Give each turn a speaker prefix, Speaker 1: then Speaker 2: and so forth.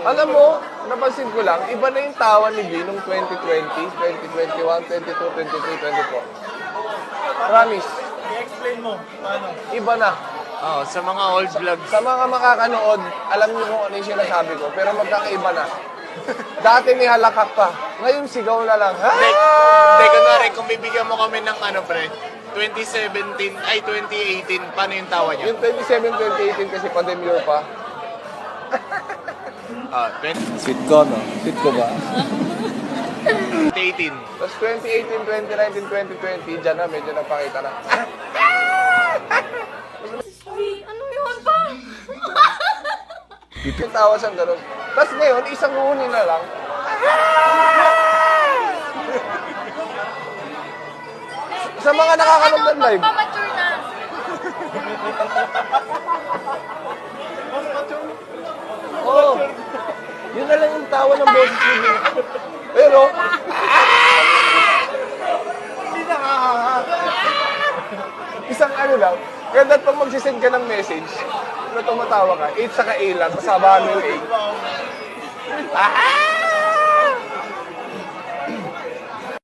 Speaker 1: Alam mo, napansin ko lang, iba na yung tawa ni V nung 2020, 2021, 22, 23, 24. Promise.
Speaker 2: I-explain mo, paano?
Speaker 1: Iba na.
Speaker 3: Oh, sa mga old vlogs.
Speaker 1: Sa mga makakanood, alam niyo kung ano yung sinasabi ko, pero magkakaiba na. Dati may halakak pa. Ngayon sigaw na lang.
Speaker 3: Hindi, kunwari, kung bibigyan mo kami ng ano, pre, 2017, ay 2018, paano yung tawa niya?
Speaker 1: Yung 27, 2018 kasi pa-demure pa.
Speaker 3: Ah, 2018.
Speaker 1: Sweet ko, no? Sweet ko ba?
Speaker 3: 2018.
Speaker 1: Tapos 2018, 2019, 2020, dyan na, medyo napakita na.
Speaker 4: Ano yun pa?
Speaker 1: Yung tawa siyang gano'n. Tapos ngayon, isang huni na lang. Sa mga nakakanood ng live.
Speaker 4: Pamature na.
Speaker 1: Oo. Yun na lang yung tawa ng boses niya. Pero,
Speaker 2: Hindi nakakaka.
Speaker 1: isang ano lang, kaya dapat pag magsisend ka ng message, na tumatawa ka, 8 saka A lang, kasabahan mo yung A.